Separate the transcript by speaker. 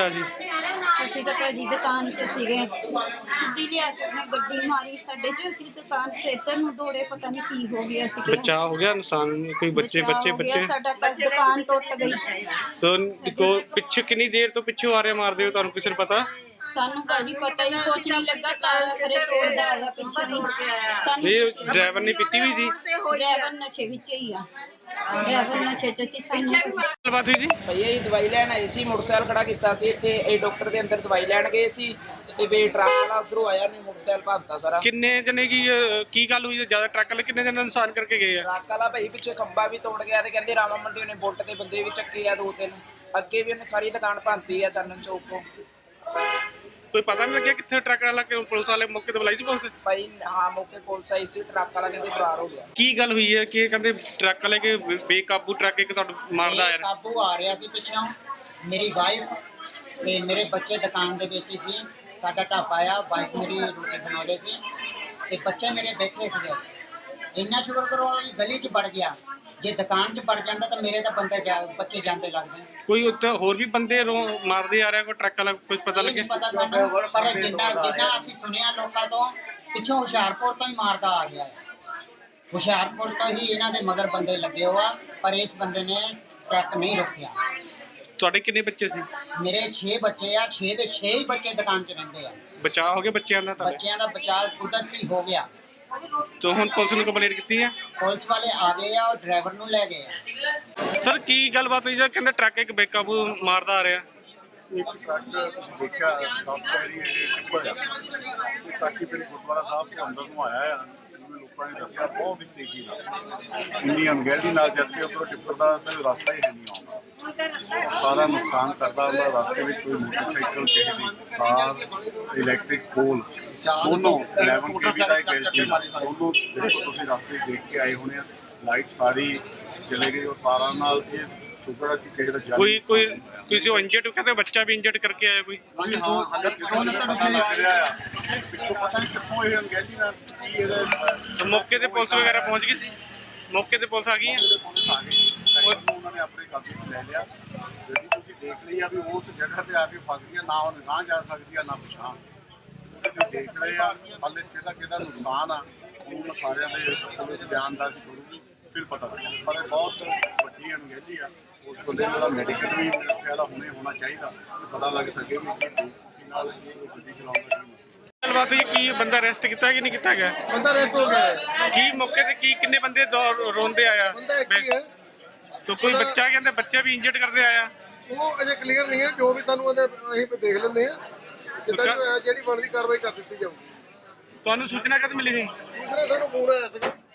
Speaker 1: ਹੋਇਆ ਸੀ?
Speaker 2: ਅਸੀਂ ਤਾਂ ਭਾਜੀ ਦੁਕਾਨ 'ਚ ਸੀਗੇ, ਸਿੱਧੀ ਲਿਆ ਕੇ ਉਹਨੇ ਗੱਡੀ ਮਾਰੀ ਸਾਡੇ 'ਚ। ਅਸੀਂ ਦੁਕਾਨ ਤੇ ਇੱਧਰ ਨੂੰ ਦੌੜੇ, ਪਤਾ ਨਹੀਂ ਕੀ ਹੋ ਗਿਆ ਸੀ।
Speaker 1: ਬਚਾਅ ਹੋ ਗਿਆ? ਨੁਕਸਾਨ ਕੋਈ ਬੱਚੇ
Speaker 2: ਬਚਾਅ ਹੋ ਗਿਆ ਸਾਡਾ, ਦੁਕਾਨ ਟੁੱਟ ਗਈ।
Speaker 1: ਤਾਂ ਪਿੱਛੇ ਕਿੰਨੀ ਦੇਰ ਤੋਂ ਪਿੱਛੋਂ ਆ ਰਹੇ ਮਾਰਦੇ ਹੋ, ਤੁਹਾਨੂੰ ਕਿਸੇ ਨੂੰ ਪਤਾ?
Speaker 2: ਸਾਨੂੰ ਭਾਜੀ ਪਤਾ ਹੀ ਕੁਛ ਨਹੀਂ ਲੱਗਾ, ਤਾਰਾ ਖਰੇ ਤੋੜਦਾ ਆਇਆ ਪਿੱਛੇ ਦੀ ਸਾਨੂੰ।
Speaker 1: ਡਰਾਈਵਰ ਨੇ ਪੀਤੀ ਹੋਈ ਸੀ?
Speaker 2: ਡਰਾਈਵਰ ਨਸ਼ੇ ਵਿੱਚ ਹੀ ਆ, ਡਰਾਈਵਰ ਨਸ਼ੇ 'ਚ ਸੀ। ਸਾਨੂੰ
Speaker 1: ਗੱਲਬਾਤ ਹੋਈ ਜੀ?
Speaker 3: ਭਈਆ ਜੀ ਦਵਾਈ ਲੈਣ ਆਏ ਸੀ, ਮੋਟਰਸਾਈਕਲ ਖੜਾ ਕੀਤਾ ਸੀ ਇੱਥੇ। ਇਹ ਡਾਕਟਰ ਦੇ ਅੰਦਰ ਦਵਾਈ ਲੈਣ ਗਏ ਸੀ ਤੇ ਵੇ ਟਰੱਕ ਵਾਲਾ ਉਧਰੋਂ ਆਇਆ, ਨੇ ਮੋਟਰਸਾਈਕਲ ਭੰਨਤਾ ਸਾਰਾ।
Speaker 1: ਕਿੰਨੇ ਜਣੇ ਕੀ ਗੱਲ ਹੋਈ? ਜ਼ਿਆਦਾ ਟਰੱਕ ਵਾਲੇ ਕਿੰਨੇ ਜਣੇ ਨੁਕਸਾਨ ਕਰਕੇ ਗਏ ਆ?
Speaker 3: ਟਰੱਕ ਵਾਲਾ ਭਾਈ ਪਿੱਛੇ ਖੰਭਾ ਵੀ ਤੋੜ ਗਿਆ ਤੇ ਕਹਿੰਦੇ ਰਾਮਾ ਮੰਡੀ ਉਹਨੇ ਬੁਲਟ ਤੇ ਬੰਦੇ ਵੀ ਚੱਕੇ ਆ 2-3। ਅੱਗੇ ਵੀ ਉਹਨੇ ਸਾਰੀ ਦੁਕਾਨ ਭੰਨਤੀ ਆ ਚਾਨਣ ਚੌਕ ਤੋਂ।
Speaker 1: ਕੋਈ ਪਤਾ ਨਹੀਂ ਲੱਗਿਆ ਕਿੱਥੇ ਟਰੱਕ ਵਾਲਾ? ਕਿ ਪੁਲਿਸ ਵਾਲੇ ਮੌਕੇ ਤੇ ਬੁਲਾਈ ਸੀ ਪੁਲਿਸ?
Speaker 3: ਭਾਈ ਹਾਂ, ਮੌਕੇ ਪੁਲਿਸ ਆਈ ਸੀ, ਟਰੱਕ ਵਾਲਾ ਕਹਿੰਦੇ ਫਰਾਰ ਹੋ ਗਿਆ।
Speaker 1: ਕੀ ਗੱਲ ਹੋਈ ਹੈ ਕਿ ਕਹਿੰਦੇ ਟਰੱਕ ਵਾਲੇ ਕਿ ਬੇਕਾਬੂ ਟਰੱਕ ਇੱਕ ਤੁਹਾਨੂੰ ਮਾਰਦਾ ਆ ਰਿਹਾ?
Speaker 4: ਕਾਬੂ ਆ ਰਿਹਾ ਸੀ ਪਿੱਛੋਂ। ਮੇਰੀ ਵਾਈਫ ਤੇ ਮੇਰੇ ਬੱਚੇ ਦੁਕਾਨ ਦੇ ਵਿੱਚ ਹੀ ਸੀ। ਸਾਡਾ ਢਾਬਾ ਆ, ਵਾਈਫ ਮੇਰੀ ਰੋਟੀ ਬਣਾਉਂਦੇ ਸੀ ਤੇ ਬੱਚੇ ਮੇਰੇ ਬੈਠੇ ਸੀਗੇ। ਇੰਨਾ ਸ਼ੁਕਰ ਕਰੋ ਗਲੀ 'ਚ ਵੜ ਗਿਆ। ਜੇ ਦੁਕਾਨ 'ਚ ਵੜ ਜਾਂਦਾ ਤਾਂ ਮੇਰੇ ਤਾਂ ਬੱਚੇ ਜਾਂਦੇ ਲੱਗਦੇ।
Speaker 1: ਕੋਈ ਉੱਥੇ ਹੋਰ ਵੀ ਬੰਦੇ ਮਾਰਦੇ ਆ ਰਿਹਾ? ਕੋਈ ਟਰੱਕ ਵਾਲਾ ਕੁਝ ਪਤਾ ਲੱਗਿਆ?
Speaker 4: ਨਹੀਂ ਪਤਾ ਸਾਨੂੰ, ਪਰ ਜਿੰਨਾ ਅਸੀਂ ਸੁਣਿਆ ਲੋਕਾਂ ਤੋਂ, ਪਿੱਛੋਂ ਹੁਸ਼ਿਆਰਪੁਰ ਤੋਂ ਹੀ ਮਾਰਦਾ ਆ ਗਿਆ ਹੈ। ਹੁਸ਼ਿਆਰਪੁਰ ਤੋਂ ਹੀ ਇਹਨਾਂ ਦੇ ਮਗਰ ਬੰਦੇ ਲੱਗੇ ਹੋਆ, ਪਰ ਇਸ ਬੰਦੇ ਨੇ ਟਰੱਕ ਨਹੀਂ ਰੋਕਿਆ।
Speaker 1: ਤੁਹਾਡੇ ਕਿੰਨੇ ਬੱਚੇ ਸੀ?
Speaker 4: ਮੇਰੇ 6 ਬੱਚੇ ਆ, 6 ਦੇ 6 ਹੀ ਬੱਚੇ ਦੁਕਾਨ 'ਚ ਰਹਿੰਦੇ ਆ।
Speaker 1: ਬਚਾਅ ਹੋ ਗਿਆ ਬੱਚਿਆਂ ਦਾ?
Speaker 4: ਬੱਚਿਆਂ ਦਾ ਬਚਾਅ ਕੁਦਰਤੀ ਹੋ ਗਿਆ।
Speaker 1: ਤਾਂ ਹੁਣ ਪੁਲਿਸ ਨੂੰ ਕੰਪਲੇਂਟ ਕੀਤੀ ਹੈ?
Speaker 4: ਪੁਲਿਸ ਵਾਲੇ ਆ ਗਏ ਆ, ਉਹ ਡਰਾਈਵਰ ਨੂੰ ਲੈ ਗਏ ਆ।
Speaker 1: ਸਰ ਕੀ ਗੱਲਬਾਤ ਹੋਈ? ਜਾਂ ਕਹਿੰਦੇ ਟਰੱਕ ਇੱਕ ਬੇਕਾਬੂ ਮਾਰਦਾ ਆ ਰਿਹਾ?
Speaker 5: ਇੱਕ ਟਰੱਕ ਦੇਖਿਆ 10 ਪੈਰੀ ਟਿੱਪਰ ਆ। ਉਹ ਟਰੱਕ ਹੀ ਫਿਰ ਗੁਰਦੁਆਰਾ ਸਾਹਿਬ ਤੋਂ ਅੰਦਰ ਨੂੰ ਆਇਆ ਆ। ਜਿਵੇਂ ਲੋਕਾਂ ਨੇ ਦੱਸਿਆ ਬਹੁਤ ਹੀ ਤੇਜ਼ੀ ਨਾਲ, ਇੰਨੀ ਅਣਗਹਿਲੀ ਨਾਲ ਜਦ ਕਿ ਉੱਪਰੋਂ ਟਿੱਪਰ ਦਾ ਰਸਤਾ ਹੀ ਹੈ ਨਹੀਂ ਆਉਂਦਾ। ਸਾਰਾ ਨੁਕਸਾਨ ਕਰਦਾ ਉਹਦਾ। ਰਸਤੇ ਵਿੱਚ ਕੋਈ ਮੋਟਰਸਾਈਕਲ, ਕਿਸੇ ਦੀ ਕਾਰ, ਇਲੈਕਟ੍ਰਿਕ ਪੋਲ, ਦੋਨੋਂ 11 kV ਦਾ ਇੱਕ LG ਦੋਨੋਂ ਦੇਖੋ ਤੁਸੀਂ ਰਸਤੇ ਦੇਖ ਕੇ ਆਏ ਹੋਣੇ ਆ। ਲਾਈਟ ਸਾਰੀ ਚਲੇ ਗਈ। ਉਹ ਤਾਰਾਂ ਨਾਲ ਇਹ ਸ਼ੁਕਰ ਹੈ ਕਿ ਕਿਸੇ ਦਾ
Speaker 1: ਕੋਈ ਕਿਸੇ ਇੰਜਰਡ ਕਹਿੰਦੇ ਬੱਚਾ ਵੀ ਇੰਜਰਡ ਕਰਕੇ ਆਇਆ ਕੋਈ?
Speaker 5: ਹਾਂ, ਪਤਾ ਲੱਗ ਰਿਹਾ ਆ ਪਿੱਛੋਂ, ਪਤਾ ਨਹੀਂ ਕਿੱਥੋਂ ਇਹ ਅਣਗਹਿਲੀ ਨਾਲ ਕੀ ਇਹਦਾ।
Speaker 1: ਮੌਕੇ ਤੇ ਪੁਲਿਸ ਵਗੈਰਾ ਪਹੁੰਚ ਗਈ ਸੀ? ਮੌਕੇ ਤੇ ਪੁਲਿਸ ਆ ਗਈ ਹੈ?
Speaker 5: ਪੁਲਿਸ ਆ ਗਈ, ਉਹਨਾਂ ਨੇ ਆਪਣੇ ਕਬਜ਼ੇ 'ਚ ਲੈ ਲਿਆ। ਜਿਹੜੀ ਤੁਸੀਂ ਦੇਖ ਲਈ ਆ ਵੀ ਉਸ ਜਗ੍ਹਾ ਤੇ ਆ ਕੇ ਫਸ ਗਈ, ਨਾ ਉਹਨੇ ਨਾ ਜਾ ਸਕਦੀ ਆ ਨਾ ਪਛਾਣ। ਤੁਸੀਂ ਦੇਖ ਰਹੇ ਆ ਹਾਲੇ ਕਿਹਦਾ ਨੁਕਸਾਨ ਆ, ਉਹਨਾਂ ਸਾਰਿਆਂ ਦੇ ਪੁਲਿਸ ਬਿਆਨ ਦਰਜ ਕਰੂਗੀ, ਫਿਰ ਪਤਾ ਲੱਗੇਗਾ। ਪਰ ਇਹ ਬਹੁਤ ਵੱਡੀ ਅਣਗਹਿਲੀ ਆ। ਉਸ ਬੰਦੇ ਦਾ ਮੈਡੀਕਲ ਵੀ ਮੇਰੇ ਖਿਆਲ ਹੁਣੇ ਹੋਣਾ ਚਾਹੀਦਾ, ਪਤਾ ਲੱਗ ਸਕੇ ਵੀ ਕਿ ਨਾਲ ਇਹ ਗੱਡੀ ਚਲਾਉਂਦਾ ਕੀ।
Speaker 1: ਗੱਲਬਾਤ ਹੋਈ ਕੀ ਬੰਦਾ ਅਰੈਸਟ ਕੀਤਾ ਕਿ ਨਹੀਂ ਕੀਤਾ ਗਿਆ?
Speaker 6: ਬੰਦਾ ਅਰੈਸਟ ਹੋ ਗਿਆ।
Speaker 1: ਕੀ ਮੌਕੇ ਤੇ ਕੀ ਕਿੰਨੇ ਬੰਦੇ ਰੋਂਦੇ ਆਇਆ?
Speaker 6: ਬੰਦਾ ਇੱਕ ਹੀ ਹੈ।
Speaker 1: ਤਾਂ ਕੋਈ ਬੱਚਾ ਕਹਿੰਦੇ ਬੱਚੇ ਵੀ ਇੰਜਰਡ ਕਰਦੇ ਆਇਆ?
Speaker 6: ਉਹ ਅਜੇ ਕਲੀਅਰ ਨਹੀਂ ਹੈ। ਜੋ ਵੀ ਤੁਹਾਨੂੰ ਅਸੀਂ ਦੇਖ ਲੈਂਦੇ ਆ, ਜਿੱਦਾਂ ਜਿਹੜੀ ਬਣਦੀ ਕਾਰਵਾਈ ਕਰ ਦਿੱਤੀ ਜਾਊਗੀ।
Speaker 1: ਤੁਹਾਨੂੰ ਸੂਚਨਾ ਕਦ ਮਿਲੀ ਸੀ?
Speaker 6: ਦੂਸਰਾ ਸਾਨੂੰ ਫੋਨ ਆਇਆ ਸੀਗਾ।